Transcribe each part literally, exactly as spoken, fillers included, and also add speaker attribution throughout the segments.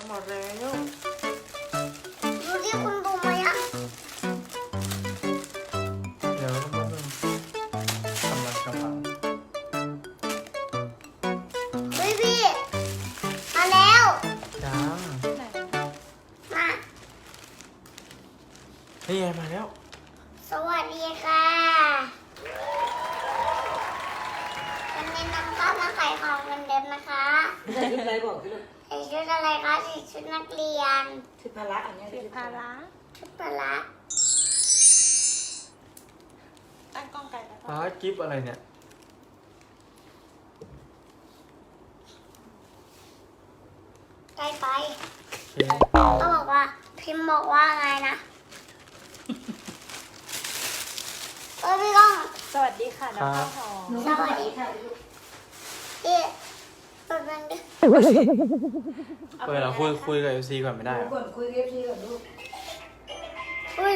Speaker 1: หมดแล้ว
Speaker 2: ดูที่คุณดูไหมอ่ะ
Speaker 3: เดี๋ยวก็มาดูกำลังกำลัง
Speaker 2: เฮ้ยพี่มาแล้ว
Speaker 3: จ้า
Speaker 1: ไหน
Speaker 2: มา
Speaker 3: นี่ไงมาแล้ว
Speaker 2: สวัสดีค่ะวันนี้น้องก็มาขายของเหมือนเดิมนะคะ
Speaker 4: ใส่ชุดอะไรบอกสิลูก
Speaker 2: ใส่ชุดอะไรคะใส่ชุดนักเรียน
Speaker 4: ชุดพละอันเนี้ย
Speaker 1: คือภาระ
Speaker 2: ชุดพละ
Speaker 1: ตั้งกล้องไกลแล้ว
Speaker 3: ฟ้ากิฟอะไรเนี่ย
Speaker 2: ใกล้ไป
Speaker 3: โอเค
Speaker 2: ก็บอกว่าพิมพ์บอกว่าไงนะเออพี่ก้อง
Speaker 1: สวัสดีค่ะน้องข้าวหอม
Speaker 2: สวัสดีค่ะพี่เปิดมันดิ
Speaker 3: เปิดเราคุยคุยกับเอฟซีก่อนไม่ได้เหรอ
Speaker 4: ก่อนคุยเอฟซีก่อนลูก
Speaker 2: อุ้ย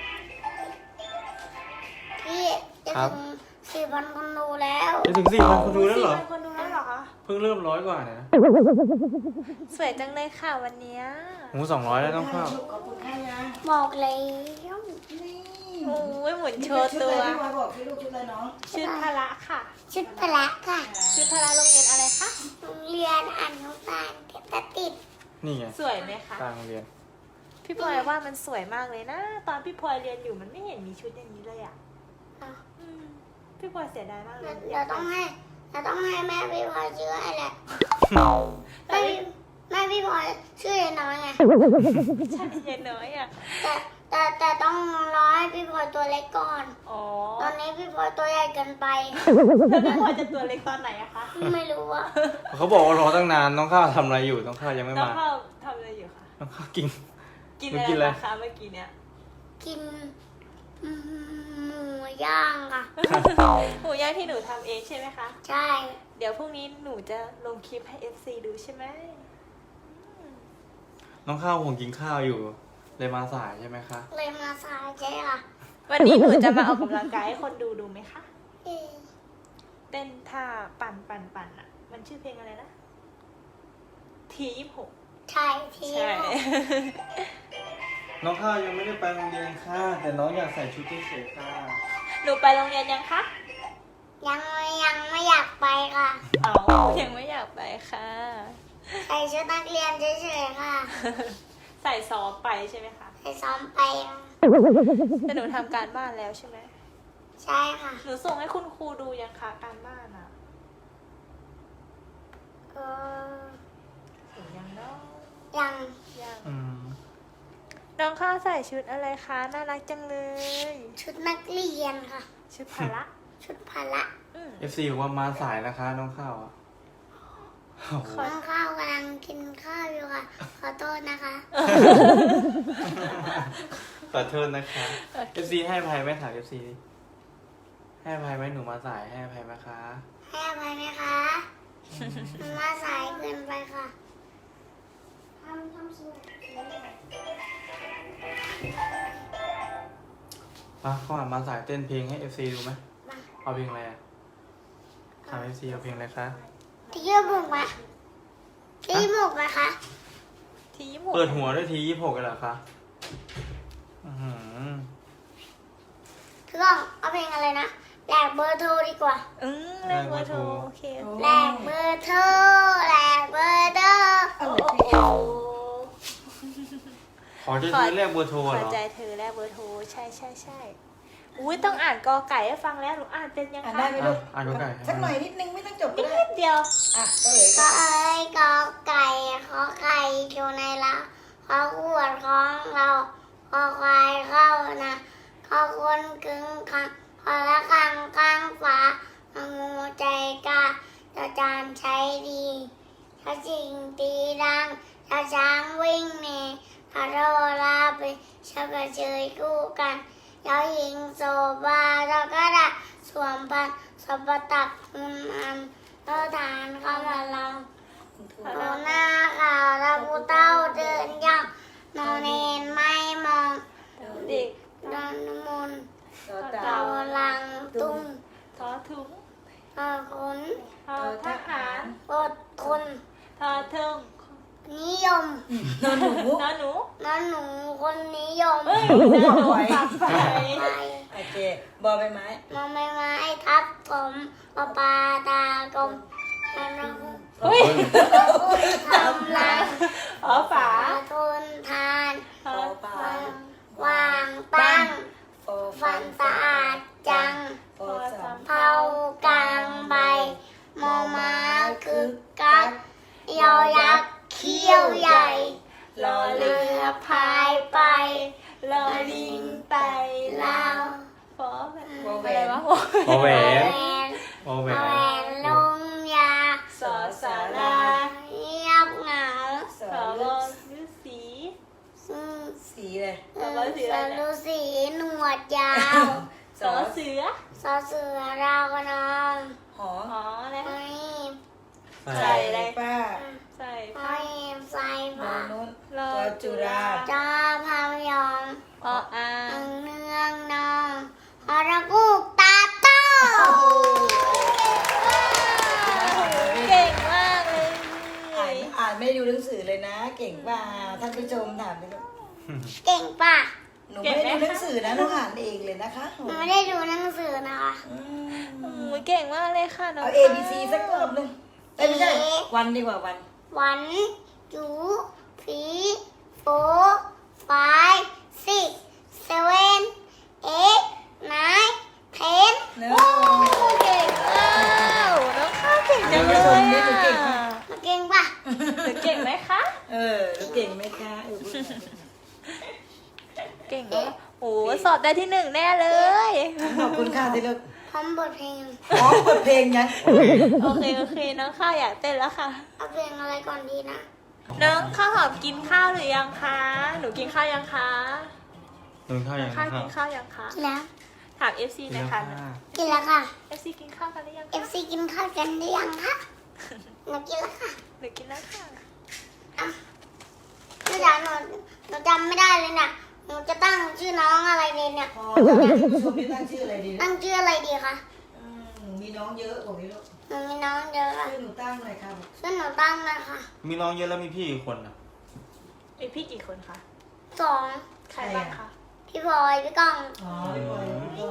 Speaker 2: พี่จะถึงสี่พันคนดูแล้ว
Speaker 3: จะถึงสี่พันคนดูแล้วเหรอ
Speaker 1: คนดูแล้วเหรอคะ
Speaker 3: เพิ่งเริ่มร้อยกว่าเนี่ยนะ
Speaker 1: สวยจังเลยค่ะวันเนี้ย
Speaker 3: หมูสองร้อยแล้วต้องเข้า
Speaker 4: ขอบคุณค่ะยา
Speaker 2: บอกแล้ว
Speaker 4: นี่
Speaker 1: โอ้ยหมุนโชว์ตัว
Speaker 4: ชุดอะไรพี่วายบอกสิลูกชุดอะไรน้อง
Speaker 1: ชุดภาระค่ะ
Speaker 2: ชุดพละค่ะ
Speaker 1: ชุดภาระโรงเรียนอะไรคะ
Speaker 2: โรงเรียนอนุบาลเทพติด
Speaker 3: นี่ไง
Speaker 1: สวยไหมคะ
Speaker 3: กลางโรงเรียน
Speaker 1: พี่พลอยว่ามันสวยมากเลยนะ ตอนพี่พลอยเรียนอยู่มันไม่เห็นมีชุดอย่างนี้เลยอ่ะ
Speaker 2: อ่ะ
Speaker 1: อืมพี่พลอยเสียดายมากเลย
Speaker 2: เดี๋ยวต้องให้เราต้องให้แม่พี่พลอยชื่ออะไรแหละ
Speaker 1: แต่
Speaker 2: แม่พี่แม่พี่พลอยชื่อเยน้อยไง
Speaker 1: ใช่เย็นน้อยอ่ะ
Speaker 2: แต่แต่แต่ต้องรอให้พี่พลอยตัวเล็กก่อน
Speaker 1: อ๋อ
Speaker 2: ตอนนี้พี่พลอยตัวใหญ่เกินไป
Speaker 1: แล้วพี่พลอยจะตัวเล็กตอนไหนอะคะ
Speaker 2: ไม่รู้อะ
Speaker 3: เขาบอกว่ารอตั้งนานน้องข้าวทำอะไรอยู่น้องข้าวยังไม่
Speaker 1: น้อง
Speaker 3: มา
Speaker 1: ข้าวทำอะไรอยู่คะ
Speaker 3: น้องข้าวกิน
Speaker 1: กิน
Speaker 3: หนู
Speaker 1: อะไร
Speaker 3: กินอะไร
Speaker 1: มาคะเมื่อกี้เนี้ย
Speaker 2: กินอืมหมูย่างค่ะ
Speaker 1: หมูย่างที่หนูทำเองใช่ไหมคะ
Speaker 2: ใช่
Speaker 1: เดี๋ยวพรุ่งนี้หนูจะลงคลิปให้ เอฟ ซี ดูใช่ไหม
Speaker 3: น้องข้าวคงกินข้าวอยู่ เลยมาสายใช่ไหมคะ
Speaker 2: เลยมาสายใช่ค่ะ
Speaker 1: วันนี้หนูจะมาออกกำลังกายให้คนดูดูไหมคะ
Speaker 2: เอ๊ะ
Speaker 1: เต้นท่าปั่นปั่นปั่นอ่ะ มันชื่อเพลงอะไรนะ ทียี่หก
Speaker 2: ใช่ที
Speaker 1: ใช่
Speaker 3: น้องข้าวยังไม่ได้ไปโรงเรียนค่ะแต่น้องอยากใส่ชุดเฉยๆค่ะ
Speaker 1: หนูไปโรงเรียนยังคะ
Speaker 2: ยังไม่ยังไม่อยากไปค่ะ
Speaker 1: เอายังไม่อยากไปค่ะ
Speaker 2: ใส่ชุดนักเรียนเฉยๆค่ะ
Speaker 1: ใส่ซ้อมไปใช่ไหมคะ
Speaker 2: ใส่ซ้อมไปค่ะ
Speaker 1: แต่หนูทำการบ้านแล้วใช่ไหม
Speaker 2: ใช่ค่ะ
Speaker 1: หนูส่งให้คุณครูดูยังคะการบ้านอ่ะ
Speaker 2: เออ
Speaker 1: ถึงยังเนาะ
Speaker 2: ยัง
Speaker 1: ยัง
Speaker 3: อืม
Speaker 1: น้องข้าวใส่ชุดอะไรคะ น่ารักจังเลย
Speaker 2: ชุดนักเรียนค่ะ
Speaker 1: ชุดพละ
Speaker 2: ชุดพละ
Speaker 1: อืม
Speaker 3: เอฟซีบอกว่ามาสายนะคะ น้องข้าวอ่ะโอ้โห
Speaker 2: น้องข้าวกำลังกินข้าวอยู่ค่ะ ขอโทษนะคะ
Speaker 3: ขอโทษนะคะเอฟซีให้อภัยไหมถามเอฟซีให้อภัยไหมหนูมาสายให้อภัยไหมคะ
Speaker 2: ให้อภัยไหมคะมันมาสายเกินไปค่ะทำทำสวย
Speaker 3: มาเข้ามามาสายเต้นเพลงให้เอฟซีดูไหม
Speaker 2: มา
Speaker 3: เอาเพลงอะไรอะถามเอฟซีเอาเพลงอะไรคะ
Speaker 2: ที่ยืมหมกไหมที่ยืมหมกไหมคะ
Speaker 1: ทียี่หก
Speaker 3: เปิดหัวด้วยทียี่หกกันเหรอคะอื้อหือ
Speaker 2: พี่ก้องเอาเพลงอะไรนะแหลกเบอร์โทรดีกว่า
Speaker 1: อืมแลกเบอร์โทรโอเค
Speaker 2: แหลกเบอร์โทรแหลกเบอร์โทร
Speaker 4: เอา
Speaker 1: โอ้
Speaker 4: เลย
Speaker 1: โห
Speaker 3: ขอจะซื้อเลขเบอร์โทร
Speaker 1: ข
Speaker 3: เห
Speaker 1: อ
Speaker 3: รอ
Speaker 1: ใจเธอแลกเบอร์โทรใช่ใช่ใช่อุ้ยต้องอ่านกอไก่ให้ฟังแล้วหนูอ่านเป็นยัง
Speaker 4: อ่าน
Speaker 1: คะ
Speaker 4: ได้ไหมลูก
Speaker 3: อ่ะอ่านกอไก่ให้
Speaker 4: สักหน่อยนิดนึงไม่ต้องจบก็
Speaker 1: นิ
Speaker 4: ได้
Speaker 1: ดเดียว
Speaker 4: อ่ะก็เลย
Speaker 2: ก็เอ้ยกอไก่ขอไข่อยู่ในละขอขวดของเราขอควายเข้านะขอคนกึ่งขังขอละคังกลางฟ้าของูใจกล้าจะจานใช้ดีถ้าจริงตีดังถ้าช้างวิ่งหนีถ้าโรลาไปชักกระเชยคู่กันแล้วยิงโซบาแล้วก็ได้สวมพันสบตักมุนอันเราทานเข้ามาลองโนหน้าข่าวแล้วผู้เต้าเดินย่องนอนเนนไม่มอง
Speaker 1: เด็ก
Speaker 2: ดอนมนต์
Speaker 4: ต่อ
Speaker 2: เรา
Speaker 4: เต่า
Speaker 2: ลังตุ้ง
Speaker 1: ทอถุง
Speaker 2: ทอขุน
Speaker 1: ทอทหาร
Speaker 2: อดทน
Speaker 1: ทอเทิง
Speaker 2: ทนิยม
Speaker 4: นอนหนู
Speaker 1: น้าหนู
Speaker 2: นอนหนูคนนิยม
Speaker 1: เฮ้ยน้าหนูปากไฟ
Speaker 2: ไป
Speaker 4: โอเคบอใบไม้
Speaker 2: มอใบไม้ทับถมปลาปลาตากลมนอน
Speaker 1: เฮ้ย
Speaker 2: ทำลาย
Speaker 1: อ๋อฝา
Speaker 2: ทนทาน
Speaker 1: อ๋อ
Speaker 4: ปลา
Speaker 2: วางตั้ง
Speaker 4: โฟ
Speaker 2: ฟันสะอาดจัง
Speaker 4: โฟสาม
Speaker 2: เผากลางใบมอม้าคึกกักยอยักษ์เขี้ยวใหญ่
Speaker 1: รอ
Speaker 2: เรื
Speaker 1: เรือ
Speaker 2: อพายไป
Speaker 1: รอลิงไต่
Speaker 2: ลา
Speaker 1: ลาว
Speaker 2: ว
Speaker 1: ฟอแบบ
Speaker 4: วอแหว
Speaker 1: อะไร
Speaker 4: น
Speaker 1: วะ
Speaker 3: โอแหว
Speaker 2: แหวน น
Speaker 3: โอแหว
Speaker 2: แหวน นลงยา
Speaker 1: สอสารา
Speaker 2: เงียบเหงา
Speaker 4: ส
Speaker 1: ส
Speaker 4: อ
Speaker 1: อ
Speaker 4: ฤ
Speaker 1: ว
Speaker 4: ษ
Speaker 1: ฤาษี
Speaker 2: อืม
Speaker 4: สีเลย
Speaker 2: สรุสีหนวดยาว
Speaker 1: สอเสือ
Speaker 2: สอเสือราวกระนอง
Speaker 4: หอ
Speaker 1: อ๋อแล้ว
Speaker 2: ไม่
Speaker 1: ใส่อะไร
Speaker 4: ป้า
Speaker 1: ใส่
Speaker 2: ไม่ใส่
Speaker 4: นอ
Speaker 2: ผ้าน
Speaker 4: นุน
Speaker 1: รอ
Speaker 4: จอจุฬา
Speaker 2: จอพายอง
Speaker 1: ออา
Speaker 2: อังเนืองนองฮอระกูกตาโต
Speaker 1: เก่งมากเลย
Speaker 4: อ่านอ่านไม่ได้ดูหนังสือเลยนะ เก่งป่าท่านผู้ชมถามเลย
Speaker 2: เก่งป่ะ
Speaker 4: หนูไม่ได้ดูหนังสือนะหนูอ่านเองเลยนะคะ
Speaker 2: หนูไม่ได้ดูหนังสือนะคะ
Speaker 4: อืม
Speaker 1: โอ้ยเก่งมากเลยค่ะน้อง
Speaker 4: เอา A B C สักรอบหนึงเอ้ยไม่ใช่วันดีกว่าวัน
Speaker 2: วันจูฟีโฟไฟซิกเซเว่นเอ็กไนเทน
Speaker 4: เนอะ
Speaker 1: โอ้เก่งมากน้องข้าวเก่งจังเลยอ่ะ
Speaker 2: มาเก่งป่ะ
Speaker 1: หนูเก่งไหมคะ
Speaker 4: เออหนูเก่งไหมคะเออพูดหน่อย
Speaker 1: เก่งมากโอ้สอบได้ที่หนึ่งแน่เลย
Speaker 4: ขอบคุณค่ะที่เลิก
Speaker 2: พร้อมบทเพลง
Speaker 4: อ๋อเปิดเพลงยัง
Speaker 1: โอเคโอเคน้องข้าวอยากเต้นแล้วค่ะ
Speaker 2: เอาเพลงอะไรก่อนดีนะ
Speaker 1: น้องข้าวหอมกินข้าวหรือยังคะ หนูกินข้าวยังคะ
Speaker 3: หนึ่งข้าวยัง
Speaker 1: ข้าว
Speaker 3: ข้า
Speaker 1: กิ
Speaker 3: วน
Speaker 1: ข้าวยังคะ
Speaker 2: กินแล้ว
Speaker 1: ถาม เอฟ ซี หน่อยค่ะ
Speaker 2: กินแล้วค่ะ
Speaker 1: เอฟ ซี กินข้าวกันหรือยัง
Speaker 2: เอ
Speaker 1: คะ
Speaker 2: ฟซีกินข้าวกันหรือยังคะหนูกินแล้วค่ะ
Speaker 1: หนูกินแล้วค่ะ
Speaker 2: อ่ะหนูจำหนูหนูจำไม่ได้เลยเนี่ยหนูจะตั้งชื่อน้องอะไรดีเนี่ย
Speaker 4: พอแล้วท่านผู้ชมจะตั้งชื่ออะไรดี
Speaker 2: ตั้งชื่ออะไรดีคะ
Speaker 4: อืมมีน้องเยอะบอกนี้ลูก
Speaker 2: หนูมีน้องเยอะอะ
Speaker 4: ชื่อหนูตั้งหน่อยครับ
Speaker 2: ชื่อหนูตั้งนะคะ
Speaker 3: มีน้องเยอะแล้วมีพี่อีกคนอ่ะ
Speaker 1: มีพี่กี่คนคะ
Speaker 2: สอง
Speaker 1: ใครบ้างคะ
Speaker 2: พี่พลอยพี่ก้อง
Speaker 4: อ๋อพี่บอยพี่ก้อง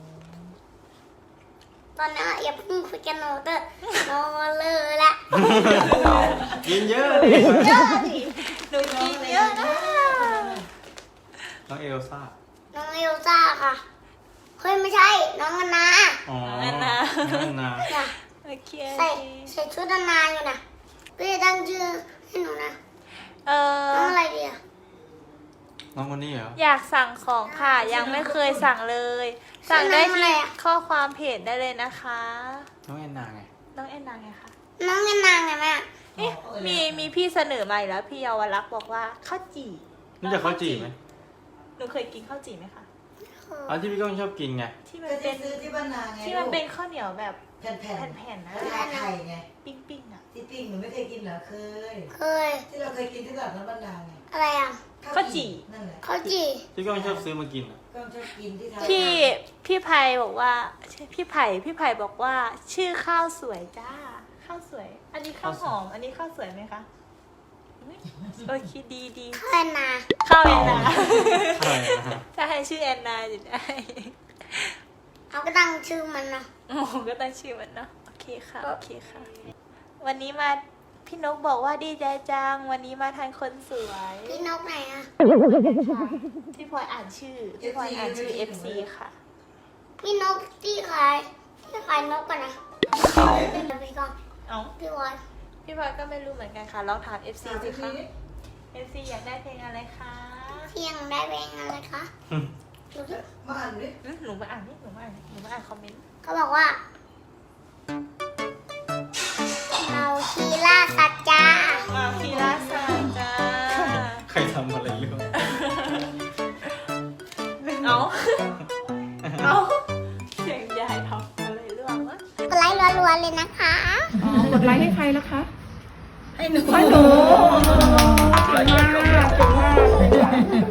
Speaker 2: ตอนนี้อย่าเพิ่งคุยกันหนูเตอะหนูเลยละ
Speaker 3: กินเยอะเลย
Speaker 2: เยอะดิ
Speaker 1: หนูกินเยอะนะ
Speaker 3: น้องเอลซ่า
Speaker 2: น้องเอลซ่าค่ะเฮ้ยไม่ใช่น้องอนนา
Speaker 3: อ๋อ
Speaker 1: นั่นนะ
Speaker 3: น้องนา
Speaker 2: เนี่ย
Speaker 1: โอเค
Speaker 2: ใส่ใส่ชุดอนนาอยู่นะพี่จะตั้งชื่อให้หนูนะ
Speaker 1: เออ
Speaker 2: น้องอะไรดีอะ
Speaker 3: น้องคนนี้เหรอ
Speaker 1: อยากสั่งของค่ะ ยังไม่เคยสั่งเลย สั่งได้ที่ข้อความเพจได้เลยนะคะ
Speaker 3: น้องแอนนาไง
Speaker 1: น้องแอนนาไงคะ
Speaker 2: น้องอนนาไงแม่
Speaker 1: เอ๊ะมีมีพี่เสนอมาอีกแล้ว พี่เยาวรักษ์บอกว่าข้าวจี่
Speaker 3: รู้จักข้าวจี่ไหม
Speaker 1: หนูเคยกินข้าวจี่ไหมคะ
Speaker 3: อันที่พี่ก้องชอบกินไง
Speaker 1: ที่มัน
Speaker 4: ก็จะ
Speaker 1: เป็น
Speaker 4: ซื้อที่บ้านนาไง
Speaker 1: ที่มันเป็นข้าวเหนียวแบบ
Speaker 4: แผ่น
Speaker 1: แผ่นๆนะ
Speaker 4: ๆทาไข่ไง
Speaker 1: ปิ้งๆอ่ะ
Speaker 4: ที่ปิ้งหนูไม่เคยกินเหรอเคย
Speaker 2: เคย
Speaker 4: ที่เราเคยกินที่ตลาดน้ำบ้านนาไง
Speaker 2: อะไรอ่ะ
Speaker 1: ข้าวจี่
Speaker 4: นั่นแหละ
Speaker 2: ข้าวจี่
Speaker 3: พี่ก้องชอบซื้อมากินอ่ะ
Speaker 4: ก็ชอบกินที่ทา
Speaker 1: พี่พี่ไพบอกว่าพี่ไผ่พี่ไผ่บอกว่า ชื่อข้าวสวยจ้า ข้าวสวย อันนี้ข้าวหอม อันนี้ข้าวสวยไหมคะอุ๊ยโอเคดีดี
Speaker 2: ข้าวอนนา
Speaker 1: ข้าวแอนนา
Speaker 3: ใช่นะ
Speaker 1: ถ้าให้ชื่อแอนนาจะได้
Speaker 2: เอาก็ตั้งชื่อมันนะ
Speaker 1: โอ้โหก็ตั้งชื่อมันเนาะโอเคค่ะโอเคค่ะ วันนี้มาพี่นกบอกว่าดีใจจัง วันนี้มาทานคนสวย
Speaker 2: พี่นกไหนอ่ะ
Speaker 1: พี่พลอยอ่านชื่อพี่พลอยอ่านชื่อ เอฟ ซี ค่ะ
Speaker 2: พี่นกที่ขายที่ขายนกกันนะพี่ก้อง
Speaker 1: เอ้า
Speaker 2: พี่วอน
Speaker 1: พี่พลอยก็ไม่รู้เหมือนกันค่ะลองถาม เอฟ ซี สิคะ เอฟ ซี อยากได้เพลงอะไรคะ
Speaker 2: เที่ยงได้เพลงอะไรคะดูสิ
Speaker 4: มาอ่านดิ
Speaker 1: อืมหนูมาอ่านนี่หนูมาอ่านหนูมาอ่านคอมเมนต์
Speaker 2: เขาบอกว่า เราคีล่าสัจจา
Speaker 1: มาพีราซาจ้า
Speaker 3: ใครทำอะไรอยู่
Speaker 1: เอาเอาเสียงยายทำอะไรเรื่องวะ
Speaker 2: กดไลค์รัวๆเลยนะคะ
Speaker 5: กดไลค์ให้ใครแล้วคะ
Speaker 4: ให้หนู
Speaker 5: ให้หนูเก่งมากเก่งมาก